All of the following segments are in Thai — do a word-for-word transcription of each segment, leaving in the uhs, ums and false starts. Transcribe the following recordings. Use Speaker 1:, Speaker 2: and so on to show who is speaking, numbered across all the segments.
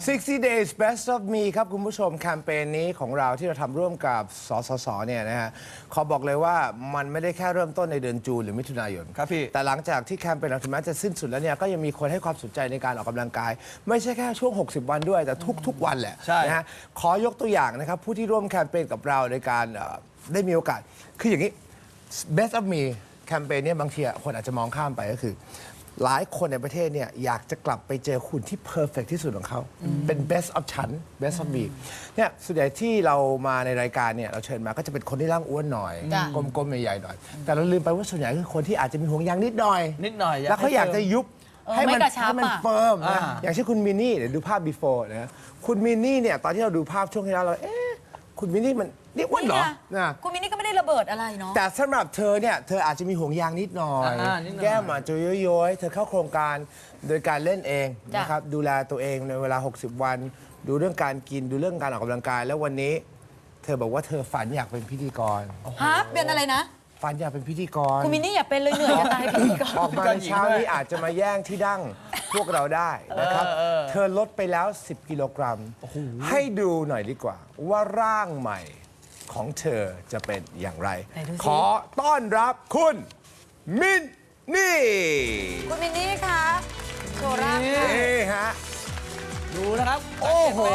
Speaker 1: sixty days best of me ครับคุณผู้ชมแคมเปญนี้ของเราที่เราทำร่วมกับสสสเนี่ยนะฮะขอบอกเลยว่ามันไม่ได้แค่เริ่มต้นในเดือนจูนหรือมิถุนายน
Speaker 2: ครับพี่
Speaker 1: แต่หลังจากที่แคมเปญเราถึงแม้จะสิ้นสุดแล้วเนี่ยก็ยังมีคนให้ความสนใจในการออกกำลังกาย ไม่ใช่แค่ช่วงหกสิบวันด้วยแต่ทุกๆวันแหละ
Speaker 2: ใช่
Speaker 1: นะฮะขอยกตัวอย่างนะครับผู้ที่ร่วมแคมเปญกับเราในการเอ่อได้มีโอกาสคืออย่างนี้ best of me แคมเปญเนี่ยบางทีคนอาจจะมองข้ามไปก็คือหลายคนในประเทศเนี่ยอยากจะกลับไปเจอหุ่นที่เพอร์เฟกที่สุดของเขาเป็น best of ฉัน best of me เนี่ยส่วนใหญ่ที่เรามาในรายการเนี่ยเราเชิญมาก็จะเป็นคนที่ร่างอ้วนหน่อย
Speaker 3: จ้ะ
Speaker 1: กลมๆใหญ่ๆหน่อย แต่เราลืมไปว่าส่วนใหญ่คือคนที่อาจจะมีห่วงยางนิดหน่อย
Speaker 2: นิดหน่อย
Speaker 1: แล้วเขาอยากจะยุบ
Speaker 3: เออ
Speaker 1: ให้มัน
Speaker 3: ไม่กระชับ
Speaker 1: ให้มัน
Speaker 3: อะ
Speaker 1: เฟิร์มนะ
Speaker 2: อ่า
Speaker 1: อย่างเช่นคุณมินนี่เดี๋ยวดูภาพ before นะคุณมินนี่เนี่ยตอนที่เราดูภาพช่วงที่แล้วเราเอ๊ะคุณมินนี่มันนี่อ้วนเหรอ
Speaker 3: นี่ไง
Speaker 1: นะ
Speaker 3: คุณมินนี่ก็ไม่ได้ระเบิดอะไรเนาะ
Speaker 1: แต่สำหรับเธอเนี่ยเธออาจจะมีห่วงยางนิดหน่อย
Speaker 2: อ่านิดหน่อย
Speaker 1: แก้มอาจจะย้อยๆเธอเข้าโครงการโดยการเล่นเอง
Speaker 3: จ้ะ
Speaker 1: นะครับดูแลตัวเองในเวลา หกสิบ วัน ดูเรื่องการกินดูเรื่องการออกกำลังกาย แล้ววันนี้ เธอบอกว่าเธอฝันอยากเป็นพิธีกร
Speaker 3: ฮะเป็นอะไรนะ
Speaker 1: ฝันอยากเป็นพิธีกร
Speaker 3: คุณมินนี่อย่าเป็นเลยเหนื่อยจะตายพี่ก่อน
Speaker 1: ออกมาในเช้านี้อาจจะมาแย่งที่ดั้งพวกเราได้นะครับ เธอลดไปแล้ว สิบ กิโลกรัม ให้ดูหน่อยดีกว่า ว่าร่างใหม่ของเธอจะเป็นอย่างไร
Speaker 3: ไหนดูสิ
Speaker 1: ขอต้อนรับคุณมินนี่
Speaker 3: คุณมินนี่คะโชว์ร่างค่ะ
Speaker 1: นี่ฮะ
Speaker 2: ดูนะครับ
Speaker 1: โอ้โห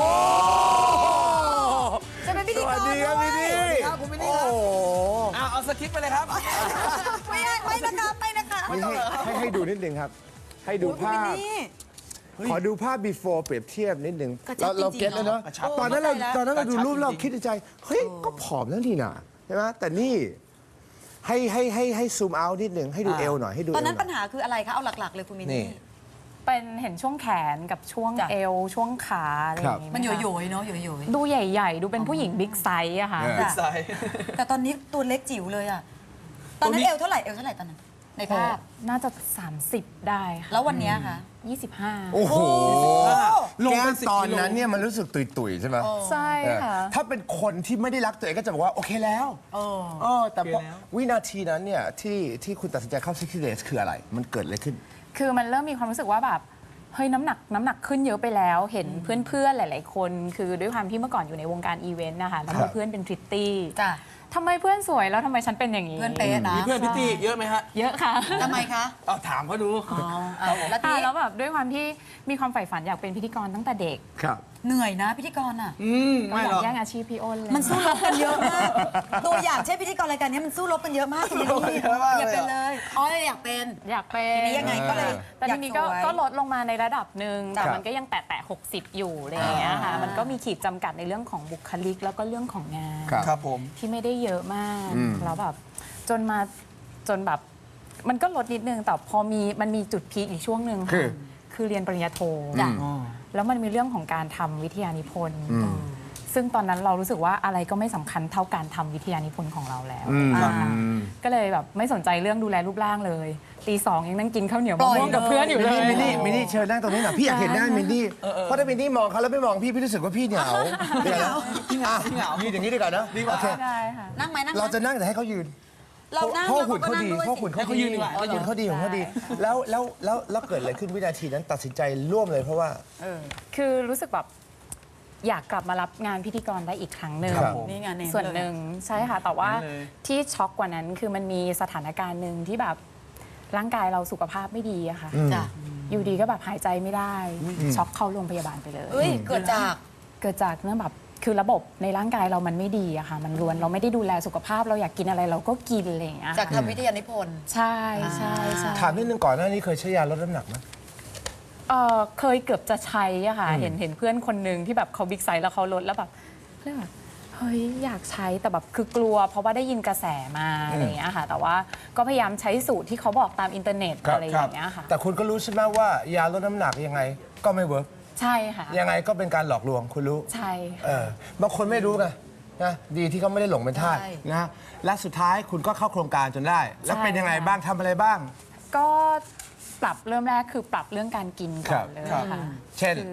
Speaker 3: จะเป็นพิ
Speaker 1: ส
Speaker 3: ธีก
Speaker 1: วั
Speaker 3: ร
Speaker 1: สดีครับ
Speaker 3: ด้ว
Speaker 1: มิน
Speaker 3: ย
Speaker 1: นี่
Speaker 2: ครับคุณมินนี่
Speaker 1: โอ้
Speaker 2: ครับ
Speaker 1: โห
Speaker 2: เอาเอาสคริปต์ไปเลยครับ
Speaker 3: ไม่ได้ไม่นะคะไม่นะคะ
Speaker 1: นี่ให้ให้ให้ดูนิดนึงครับ ให้ดู
Speaker 3: โอ้ยคุณ
Speaker 1: ภา
Speaker 3: มิน
Speaker 1: พ
Speaker 3: นี่
Speaker 1: ขอดูภาพ before เปรียบเทียบนิดนึง
Speaker 3: กระชั
Speaker 1: เรา
Speaker 3: บ
Speaker 1: เรา
Speaker 3: จริงๆ
Speaker 1: เก็ตแล้วเนาะ
Speaker 3: เนอะกระชับ
Speaker 1: ตอนนั้นเรา
Speaker 3: เข้าใจแล้ว
Speaker 1: ตอนนั้นเราดู
Speaker 2: กระชับ
Speaker 1: รูปเรา
Speaker 2: จริงๆ
Speaker 1: คิดในใจ เฮ้ย ก็ผอมแล้วนี่นะใช่ไหมแต่นี่ให้ให้ให้ให้ซูมเอานิดนึงให้ดูเอวหน่อยให้ดู
Speaker 3: ตอนนั้น
Speaker 1: เวห
Speaker 3: ปัญหาคืออะไรคะเอาหลักๆเลยคุณมิน
Speaker 1: นี่
Speaker 3: นี่
Speaker 4: เป็นเห็นช่วงแขนกับช่วง
Speaker 3: จ้ะ
Speaker 4: เอวช่วงขาอะไรอย่างงี้
Speaker 3: มัน
Speaker 4: ไห
Speaker 3: โย
Speaker 4: คะ
Speaker 3: โย่ๆเนาะโยโย่
Speaker 4: ดูใหญ่ ๆ ดูเป็นผู้หญิงบิ๊กไซส์อะค่ะ
Speaker 1: เออ
Speaker 3: จ้ะ
Speaker 2: ใส่
Speaker 3: แต่ตอนนี้ตัวเล็กจิ๋วเลยอะตอนนั้นเอวเท่าไหร่เอวเท่าไหร่ตอนนั้นในภาพ
Speaker 4: น่าจะ สามสิบ ได้ค่ะ
Speaker 3: แล้ววันเนี้ยคะ
Speaker 4: ยี่สิบห้า
Speaker 1: โอ้โห
Speaker 2: ลง
Speaker 1: แก้
Speaker 2: เป็
Speaker 1: ม
Speaker 2: นสิบ
Speaker 1: ตอน
Speaker 2: กิโล
Speaker 1: นั้นเนี่ยมันรู้สึกตุยๆใช่ไหม
Speaker 4: ใช่
Speaker 1: เออ
Speaker 4: ค่ะ
Speaker 1: ถ้าเป็นคนที่ไม่ได้รักตัวเองก็จะบอกว่า โอเคแล้ว
Speaker 3: เออ
Speaker 1: เออแต่พอ
Speaker 2: โอเคแล้ว
Speaker 1: วินาทีนั้นเนี่ยที่ที่คุณตัดสินใจเข้า sixty days คืออะไร มันเกิดอะไรขึ้น
Speaker 4: คือมันเริ่มมีความรู้สึกว่าแบบเฮ้ยน้ำหนักน้ำหนักขึ้นเยอะไปแล้ว เห็นเพื่อนๆหลาย ๆ คน คือด้วยความที่เมื่อก่อนอยู่ในวงการอีเวนต์นะคะแล้ว
Speaker 1: ครั
Speaker 4: มี
Speaker 1: บ
Speaker 4: เพื่อนเป็นพริตตี้
Speaker 3: จ้ะ
Speaker 4: ทำไมเพื่อนสวยแล้วทำไมฉันเป็นอย่างนี้
Speaker 3: เพื่อนเป๊ะนะ
Speaker 2: มีเพื่อนพิตตี้เยอะไหมฮะ
Speaker 4: เยอะค่ะ
Speaker 3: ทำไมคะ
Speaker 2: เอาถามเขาดู
Speaker 3: อ่ะแล้วที
Speaker 4: ค่ะ
Speaker 3: นี้
Speaker 4: แล้วแบบด้วยความที่มีความใฝ่ฝันอยากเป็นพิธีกรตั้งแต่เด็ก
Speaker 1: ครับ
Speaker 3: เหนื่อยนะพิธีกรอ่ะ
Speaker 2: อืม
Speaker 4: ก็
Speaker 2: ไม่
Speaker 4: อ
Speaker 2: หร
Speaker 4: ยา
Speaker 2: อก ก
Speaker 4: แย่งอาชีพพี่อ้นเลย
Speaker 3: มันสู้รบกันเยอะมาก ตัวอย่างเช่นพิธีกรรายการนี้มันสู้รบกันเยอะมากคุณมินนี่
Speaker 2: เยอะมากเลย
Speaker 3: อย่าเป็นเลยอ๋ออยากเป็น
Speaker 4: อยากเป็น
Speaker 3: ทีนี้ยังไงก็เลย
Speaker 4: แต่ทีนี้ก็
Speaker 3: อยากสวย
Speaker 4: ก็ลดลงมาในระดับหนึ่ง
Speaker 3: จ้ะ
Speaker 4: แต่มันก็ยังแตะแตะหกสิบอยู่อะไรอย่างเงี้ยค่ะ
Speaker 3: อ่ามั
Speaker 4: มันก็มีขีดจำกัดในเรื่องของบุคลิก แล้วก็เรื่องของงาน
Speaker 1: ครับ
Speaker 2: ครับผม
Speaker 4: ที่ไม่ได้เยอะมาก
Speaker 1: อืม
Speaker 4: แล้วแบบจนมาจนแบบมันก็ลดนิดนึงแต่พอมีมันมีจุดพีคอีกช่วงหนึ่ง
Speaker 1: คือ
Speaker 4: ค่ะคือเรียนปริญญาโท
Speaker 3: จ้ะ
Speaker 4: แล้วมันมีเรื่องของการทำวิทยานิพนธ์ซึ่งตอนนั้นเรารู้สึกว่าอะไรก็ไม่สำคัญเท่าการทำวิทยานิพนธ์ของเราแล้ว
Speaker 1: อืม
Speaker 4: อ่า
Speaker 1: อืม
Speaker 4: ก็เลยแบบไม่สนใจเรื่องดูแลรูปร่างเลยตีสองยังนั่งกินข้าวเหนียว
Speaker 3: ปล่
Speaker 4: มะ
Speaker 3: อย
Speaker 4: ม่วงกับ
Speaker 3: เลย
Speaker 4: เพื่อนอยู่
Speaker 1: มิน
Speaker 4: เลย
Speaker 1: นี่มินนี่มินนี่เชิญนั่งตรงนี้หน่อยพี่อยากเห็นหน้ามินนี่เพราะถ้ามินนี่มองเขาแล้วไม่มองพี่พี่รู้สึกว่าพี่เหงาเดี๋ยวนะ
Speaker 2: พี่เหงาพี่เหงา
Speaker 1: ยืนอย่างนี้ดีกว่านะดีกว่า
Speaker 4: ได้ค่ะ
Speaker 3: นั่งไหมนั่งไหม
Speaker 1: เราจะนั่งแต่ให้เขายืน
Speaker 3: เรานั่ง
Speaker 1: เพราะ
Speaker 3: แล้ว
Speaker 1: หุ่นเขาดี
Speaker 3: ก็
Speaker 1: เพราะหุ่นเขา
Speaker 2: ให้เขายืนดีกว่า
Speaker 1: เออหุ่นเขาดีหุ่นเขาดีแล้วแล้วแล้วแล้วเกิดอะไรขึ้นวินาทีนั้นตัดสินใจร่วมเลยเพราะว่า
Speaker 3: เออ
Speaker 4: คือรู้สึกแบบอยากกลับมารับงานพิธีกรได้อีกครั้งหนึ่ง
Speaker 1: ครับ
Speaker 3: นี่ไงเน้น
Speaker 4: ส่วนหนึ่งใช่ค่ะ แต่ว่า
Speaker 2: เน้นเลย
Speaker 4: ที่ช็อกกว่านั้นคือมันมีสถานการณ์หนึ่งที่แบบร่างกายเราสุขภาพไม่ดีอะค่ะ
Speaker 3: จ้ะ
Speaker 4: อยู่ดีก็แบบหายใจไม่ได้ ช็อกเข้าโรงพยาบาลไปเลย
Speaker 3: เอ้ยเกิดจาก
Speaker 4: เกิดจากเรื่องแบบคือระบบในร่างกายเรามันไม่ดีอะค่ะ มันรวนเราไม่ได้ดูแลสุขภาพเราอยากกินอะไรเราก็กินอะไรอย่างเงี้ย
Speaker 3: จาก
Speaker 4: ค่ะ
Speaker 3: ทำวิทยานิพนธ์
Speaker 4: ใช่ใช่ใช่
Speaker 1: ถามนิดนึงก่อนหน้านี้เคยใช้ยาลดน้ำหนักไหม
Speaker 4: เออเคยเกือบจะใช้อะค่ะ เห็นเห็นเพื่อนคนหนึ่งที่แบบเขาบิ๊กไซส์แล้วเขาลดแล้วแบบเรื่องแบบเฮ้ยอยากใช้แต่แบบคือกลัว เพราะว่าได้ยินกระแสมาอะไรอย่างเงี้ยค่ะ แต่ว่าก็พยายามใช้สูตรที่เขาบอกตามอินเทอร์เน็ต
Speaker 1: ครับ
Speaker 4: อะไรอย่างเงี้ยค่ะ
Speaker 1: แต่คุณก็รู้ใช่ไหมว่ายาลดน้ำหนักยังไงก็ไม่เวิร์ก
Speaker 4: ใช่ค่ะ
Speaker 1: ยังไงก็เป็นการหลอกลวงคุณรู้
Speaker 4: ใช่
Speaker 1: เออบางคนไม่รู้ไงนะดีที่เขาไม่ได้หลงเป็นทาส
Speaker 3: ใช่
Speaker 1: นะและสุดท้ายคุณก็เข้าโครงการจนได้ แล้วเป็นยังไงบ้างทำอะไรบ้าง
Speaker 4: ก็ปรับเริ่มแรกคือปรับเรื่องการกินก่อนเลย
Speaker 1: ครับ
Speaker 4: ค่ะ
Speaker 1: เช่น
Speaker 4: คือ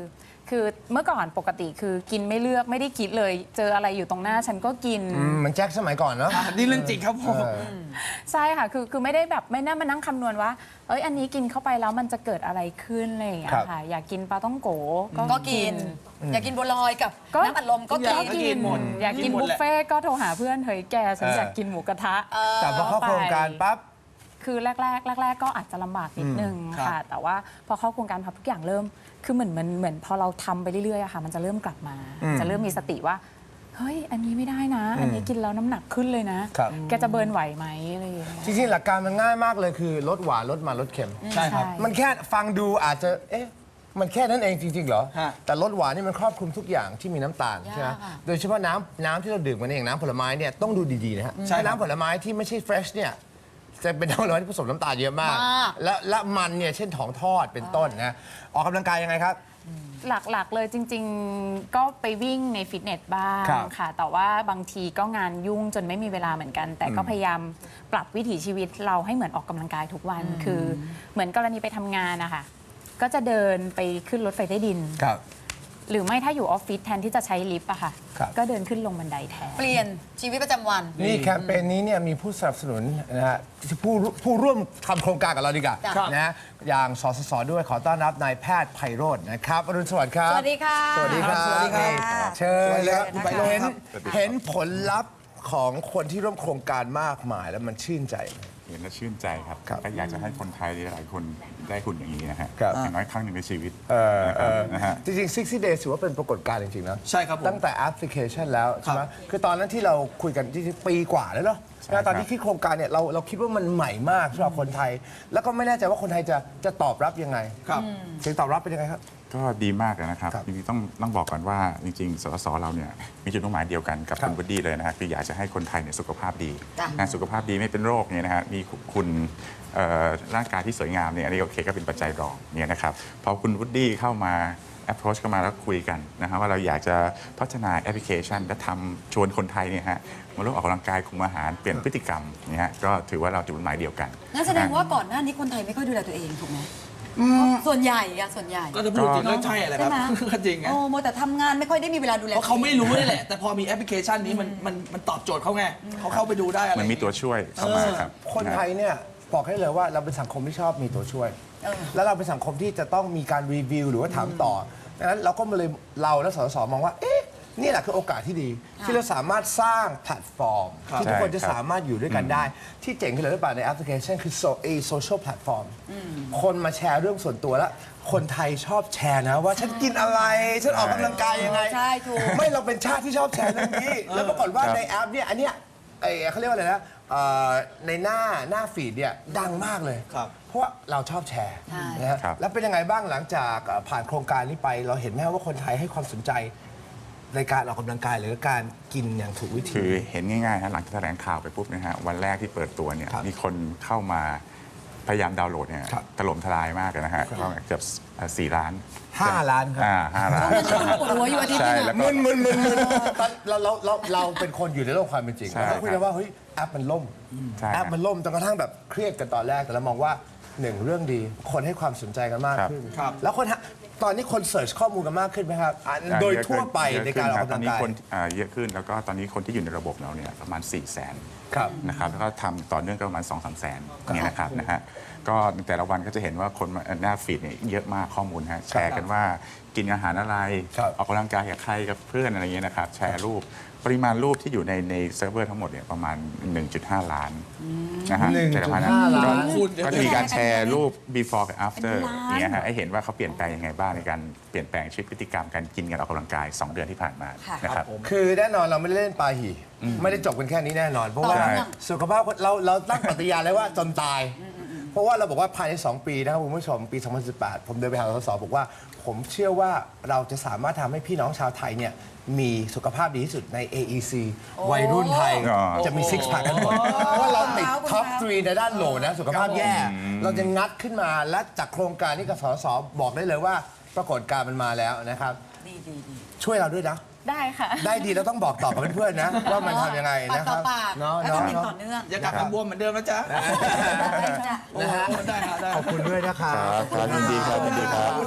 Speaker 4: คือเมื่อก่อนปกติคือกินไม่เลือกไม่ได้คิดเลย เจออะไรอยู่ตรงหน้าฉันก็กิน
Speaker 1: อืมเหมันแจ็คสมัยก่อนเนาะ
Speaker 2: อ่ะนี่เรื่องจริงครับผม
Speaker 1: เออ
Speaker 4: ใช่ค่ะ คือคือไม่ได้แบบไม่น่ามานั่งคำนวณว่า เอ้ยอันนี้กินเข้าไปแล้วมันจะเกิดอะไรขึ้นอะไรอย่างเงี้ย
Speaker 1: ครับ
Speaker 4: ค่ะ อยากกินปลาต้องโก
Speaker 3: ก็กิน อยากกินบัวลอยกับ
Speaker 4: ก็
Speaker 3: น้ำอัดลมก็
Speaker 2: ทุกอ
Speaker 3: กิ
Speaker 2: ย่าง
Speaker 3: น
Speaker 2: กินหมด
Speaker 4: อยากกิน
Speaker 2: กินหมด
Speaker 4: บุฟ
Speaker 2: แหละ
Speaker 4: เฟ่ต์ก็โทรหาเพื่อนเฮ้ยแกฉัน
Speaker 1: เออ
Speaker 4: อ
Speaker 1: อ
Speaker 4: ยากกินหมูกระทะ
Speaker 1: แต่พอเข้าโครงการปั๊บ
Speaker 4: คือแรกแรกแรกแรกๆก็อาจจะลำบากนิดนึง
Speaker 2: ครับ
Speaker 4: ค่ะ แต่ว่าพอเข้าโครงการพับทุกอย่างเริ่ม คือเหมือนมันเหมือนพอเราทำไปเรื่อยๆอะค่ะ มันจะเริ่มกลับมา
Speaker 1: อืม
Speaker 4: จะเริ่มมีสติว่า เฮ้ย อันนี้ไม่ได้นะ อันนี้กินแล้วน้ำหนักขึ้นเลยนะ
Speaker 1: ครับ
Speaker 4: แกจะเบิร์นไหวไหมอะไรอย่างเงี้ย
Speaker 1: จริงๆหลักการมันง่ายมากเลยคือลดหวานลดมันลดเค็ม
Speaker 2: ใช่ครับ
Speaker 1: มันแค่ฟังดูอาจจะ เอ๊ะ มันแค่นั้นเองจริงๆเหรอ
Speaker 2: ฮะ
Speaker 1: แต่ลดหวานนี่มันครอบคลุมทุกอย่างที่มีน้ำตาล
Speaker 3: ยาก
Speaker 1: ใช่ไหม
Speaker 3: อะ
Speaker 1: โดยเฉพาะน้ำน้ำที่เราดื่มกันเองน้ำผลไม้เนี่ยต้องดูดีๆนะฮะ
Speaker 2: ใช่ครับ
Speaker 1: น้ำผลไม้ที่ไม่ใช่เฟรชเนี่ยจะเป็นน้ำผลไม้ที่ผสมน้ำตาลเยอะมาก
Speaker 3: มาก
Speaker 1: และและมันเนี่ยเช่นของทอดเป็นต้นนะออกกำลังกายยังไงครับ
Speaker 4: หลักๆเลยจริง ๆ ก็ไปวิ่งในฟิตเนสบ้าง
Speaker 1: ครับ
Speaker 4: ค่ะ แต่ว่าบางทีก็งานยุ่งจนไม่มีเวลาเหมือนกัน แต่ก็พยายามปรับวิถีชีวิตเราให้เหมือนออกกำลังกายทุกวัน คือเหมือนกรณีไปทำงานนะคะก็จะเดินไปขึ้นรถไฟใต้ดิน
Speaker 1: ครับ
Speaker 4: หรือไม่ถ้าอยู่ออฟฟิศแทนที่จะใช้ลิฟต์อะค่ะ
Speaker 1: ครับ
Speaker 4: ก็เดินขึ้นลงบันไดแทน
Speaker 3: เปลี่ยนชีวิตประจำวัน
Speaker 1: นี่แคมเปญนี้เนี่ยมีผู้สนับสนุนนะฮะผู้ผู้ร่วมทำโครงการกับเราดีกว่า
Speaker 3: ครับ
Speaker 1: นะฮะอย่างสสสด้วยขอต้อนรับนายแพทย์ไพโรจน์นะครับอรุณสวัสดิ์ครับ
Speaker 3: สวัสดีค่ะ
Speaker 1: สวัสดีครับ
Speaker 2: สวัสดีครับ
Speaker 1: เชิญเลยครับ
Speaker 3: สวัสดีครับ
Speaker 1: เห็น
Speaker 5: สวัสดีครับ
Speaker 1: เห็นผลลัพธ์ของคนที่ร่วมโครงการมากมายแล้วมันชื่นใจ
Speaker 5: เห็นแล้วชื่นใจครับ
Speaker 1: ครับ
Speaker 5: ก็อยากจะให้คนไทยหลายๆคนได้หุ่นอย่างนี้นะฮะ
Speaker 1: ครับ
Speaker 5: อย่างน้อยครั้งหนึ่งในชีวิต
Speaker 1: เออเออ
Speaker 5: นะฮะ
Speaker 1: จริงๆ หกสิบ days ถือว่าเป็นปรากฏการณ์จริงๆนะ
Speaker 2: ใช่ครับผม
Speaker 1: ตั้งแต่แอปพลิเคชันแล้วใช่ไหม
Speaker 2: ครับ
Speaker 1: คือตอนนั้นที่เราคุยกันที่ปีกว่าแล้วเนาะ
Speaker 5: ใช่
Speaker 1: แล้วตอน
Speaker 5: ครับ
Speaker 1: ที่คิดโครงการเนี่ยเราเราคิดว่ามันใหม่มากสำหรับคนไทย แล้วก็ไม่แน่ใจว่าคนไทยจะจะตอบรับยังไง
Speaker 2: ครับ
Speaker 1: เสียงตอบรับเป็นยังไงครับ
Speaker 5: ก็ดีมากเลยนะครับ
Speaker 1: ครับ
Speaker 5: จริงๆต้องต้องบอกก่อนว่าจริงๆสสเราเนี่ยมีจุดมุ่งหมายเดียวกันกับ
Speaker 1: ครับ
Speaker 5: คุณวดดี้เลยนะฮะคืออยากจะให้คนไทยเนี่ยสุขภาพดี
Speaker 3: จ้ะ
Speaker 5: นะสุขภาพดีไม่เป็นโรคเนี่ยนะฮะมีคุณเอ่อร่างกายที่สวยงามเนี่ยอันนี้โอเคก็เป็นปัจจัยรองเนี่ยนะครับพอคุณวดดี้เข้ามา approach เข้ามาแล้วคุยกันนะฮะว่าเราอยากจะพัฒนาแอปพลิเคชัน และทำชวนคนไทยเนี่ยฮะมาร่วมออกกำลังกายคุมอาหารเปลี่ยนพฤติกรรมเนี่ยฮะก็ถือว่าเราจุดมุ่งหมายเดียวกัน
Speaker 3: งั้นแสดงว่าก่อนหน้านี้คนไทยไม่ค่อยดูแลตัวเองถูกไหมส่วนใหญ่อะส่วนใหญ่
Speaker 2: ก็จะพูดจริงก็ใช่แหละครับ
Speaker 3: ใช่ไหม
Speaker 2: ก็จริงไง
Speaker 3: โอ้โมวแต่ทำงานไม่ค่อยได้มีเวลาดูแล
Speaker 2: เพราะเขาไม่รู้นี่แหละ แต่พอมีแอปพลิเคชันนี้มันมันมันตอบโจทย์เขาไงเขาเข้าไปดูได้อะไร
Speaker 5: มันมีตัวช่วยเข้ามาครับ
Speaker 1: คนไทยเนี่ยบอกให้เลยว่าเราเป็นสังคมที่ชอบมีตัวช่วย แล้วเราเป็นสังคมที่จะต้องมีการรีวิวหรือว่าถามต่อดังนั้นเราก็มาเลยเราและสสสมองว่าเอ๊ะนี่แหละคือโอกาสที่ดี ที่เราสามารถสร้างแพลตฟอร์ม ที่ทุกคนจะ
Speaker 5: ใช่ครับ
Speaker 1: สามารถอยู่ด้วยกันได้ ที่เจ๋งขึ้นเลยหรือเปล่าในแอปพลิเคชันคือโซเอโซเชียลแพลตฟอร์มคนมาแชร์เรื่องส่วนตัวแล้ว คนไทยชอบแชร์นะว่าฉันกินอะไร ฉันออกกำลังกายยังไง
Speaker 3: ใช่ถูก
Speaker 1: ไม่เราเป็นชาติที่ชอบแชร์เรื่องนี้ แล้วปรากฏว่า
Speaker 5: ครับ
Speaker 1: ในแอปเนี่ยอันเนี้ยไอ้เขาเรียกว่าอะไรนะเอ่อในหน้าหน้าฟีดเนี่ยดังมากเลย
Speaker 2: ครับ
Speaker 1: เพราะว่าเราชอบแชร์
Speaker 3: ใช่
Speaker 1: นะฮะ
Speaker 5: ครับ
Speaker 1: แล้วเป็นยังไงบ้างหลังจากเอ่อผ่านโครงการนี้ไป เราเห็นไหมว่าคนไทยให้ความสนใจในการออกกำลังกายหรือการกินอย่างถูกวิธี
Speaker 5: คือเห็นง่ายๆนะหลังจากแถลงข่าวไปปุ๊บนะฮะวันแรกที่เปิดตัวเนี่ย
Speaker 1: ครับ
Speaker 5: มีคนเข้ามาพยายามดาวน์โหลดเนี่ย
Speaker 1: ครับ
Speaker 5: ถล่มทลายมากเลยนะฮะก็เกือบสี่ล้าน
Speaker 1: ห้าล้านครับ
Speaker 5: อ่าห้าล้าน
Speaker 3: ปวดหัวอยู่อาทิตย์
Speaker 5: ใช่
Speaker 3: นึง
Speaker 5: แล้ว
Speaker 3: อะ
Speaker 5: ก็
Speaker 1: มึนมึนมึนมึนตอนเราเราเราเราเป็นคนอยู่ในโลกความเป็นจริง
Speaker 5: ใช่
Speaker 1: เราก็คุยกันว่าเฮ้ยแอปมันล่ม
Speaker 5: ใช่
Speaker 1: แอปมันล่มจนกระทั่งแบบเครียดกันตอนแรกแต่เรามองว่าหนึ่งเรื่องดี คนให้ความสนใจกันมาก
Speaker 5: ครับ
Speaker 1: ขึ้น
Speaker 2: ครับ
Speaker 1: แล้วคนฮะตอนนี้คนเสิร์ชข้อมูลกันมากขึ้นไหมครับอ่ะ
Speaker 5: อ่า
Speaker 1: โดย
Speaker 5: เอะ
Speaker 1: ทั่วไป
Speaker 5: เยอะ
Speaker 1: ในการออก
Speaker 5: ขึ้
Speaker 1: กำ
Speaker 5: ต
Speaker 1: ลั
Speaker 5: อน
Speaker 1: ง
Speaker 5: นี้
Speaker 1: กาย
Speaker 5: คนอ่าเยอะขึ้นแล้วก็ตอนนี้คนที่อยู่ในระบบเราเนี่ยประมาณ4ี่แสน
Speaker 1: ครับ
Speaker 5: นะครับแล้วก็ทำต่อเนื่องก็ประมาณ2องสามแสนเนี่ยนะครับนะฮะก็แต่ละวันก็จะเห็นว่าคนมาหน้าฟีดเนี่ยเยอะมากข้อมูลฮะแชร์กันว่ากินอาหารอะไร
Speaker 1: ครับ
Speaker 5: ออกกำลังกายกับใครกับเพื่อนอะไรเงี้ยนะครับแชร์รูปปริมาณรูปที่อยู่ในในเซิร์ฟเวอร์ทั้งหมดเนี่ยประมาณ หนึ่งจุดห้า ล้านนะฮะ
Speaker 1: หนึ่งจุด
Speaker 5: แต่ละวันนะ
Speaker 1: ห้าล้าน
Speaker 5: ก็
Speaker 2: คูณ
Speaker 5: ก็จะมีการแชร์รูป before กับ after
Speaker 3: เป็นล้าน
Speaker 5: เนี่ยฮะให้เห็นว่าเขาเปลี่ยนแปลงยังไงบ้างในการเปลี่ยนแปลงชีวิตพฤติกรรมการกินการออกกำลังกายสองเดือนที่ผ่านมา
Speaker 3: ค่ะ
Speaker 5: นะครับ
Speaker 1: คือแน่นอนเราไม่ได้เล่นปาหีไม่ได้จบกันแค่นี้แน่นอน เพราะว่า
Speaker 3: ต่อเนื่อง
Speaker 1: สุขภาพเราเราตั้งปฏิญาณเลยว่าจนตาย เพราะว่าเราบอกว่าภายใน สอง ปีนะครับคุณผู้ชมปี สองพันสิบแปด ผมเดินไปหาสสบอกว่า ผมเชื่อว่าเราจะสามารถทำให้พี่น้องชาวไทยเนี่ยมีสุขภาพดีที่สุดใน เอ อี ซี วัยรุ่นไทย
Speaker 5: อ๋อ
Speaker 1: จะมีซิกแพคกันหมดเพราะว่าเราติดท็อปทรีในด้านโหลนะสุขภาพแย่ เราจะงัดขึ้นมาและจากโครงการนี้กับสสบอกได้เลยว่าปรากฏการณ์มันมาแล้วนะครับ
Speaker 3: ดีดีดี
Speaker 1: ช่วยเราด้วยนะ
Speaker 4: ได้ค่ะ
Speaker 1: ได้ดีแล้วต้องบอกต่อกับเพื่อนๆนะ ว่ามันทำยังไง
Speaker 3: ปาก
Speaker 1: นะค
Speaker 3: ต่อ
Speaker 1: รับ
Speaker 3: ปาก
Speaker 1: เนาะ
Speaker 3: แล้วก็
Speaker 1: เนาะ
Speaker 3: กิน
Speaker 1: เนาะ
Speaker 3: ต่อเนื่อง
Speaker 2: อย่ากลับมาบวมเหมือนเดิมนะจ๊ะ
Speaker 3: ได้จ้ะ
Speaker 2: โอ้โหได้ฮะได้
Speaker 1: ขอบคุณด้วยนะครับ
Speaker 5: ครับยินดีครับยินดีครับ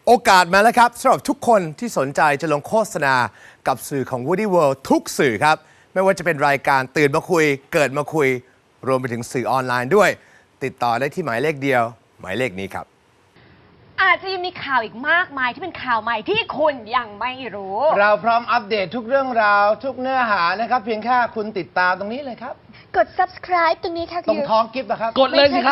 Speaker 1: โอกาสมาแล้วครับสำหรับทุกคนที่สนใจจะลงโฆษณากับสื่อของ Woody World ทุกสื่อครับ ไม่ว่าจะเป็นรายการตื่นมาคุย เกิดมาคุย รวมไปถึงสื่อออนไลน์ด้วย ติดต่อได้ที่หมายเลขเดียว หมายเลขนี้ครับ
Speaker 6: อาจจะยังมีข่าวอีกมากมายที่เป็นข่าวใหม่ที่คุณยังไม่รู้
Speaker 1: เราพร้อมอัปเดตทุกเรื่องราว ทุกเนื้อหานะครับ เพียงแค่คุณติดตามตรงนี้เลยครับ
Speaker 6: กด subscribe ตรงนี้ค่ะ
Speaker 1: ตรงท้องกิฟต์นะครับ
Speaker 2: กดเลยสิครับ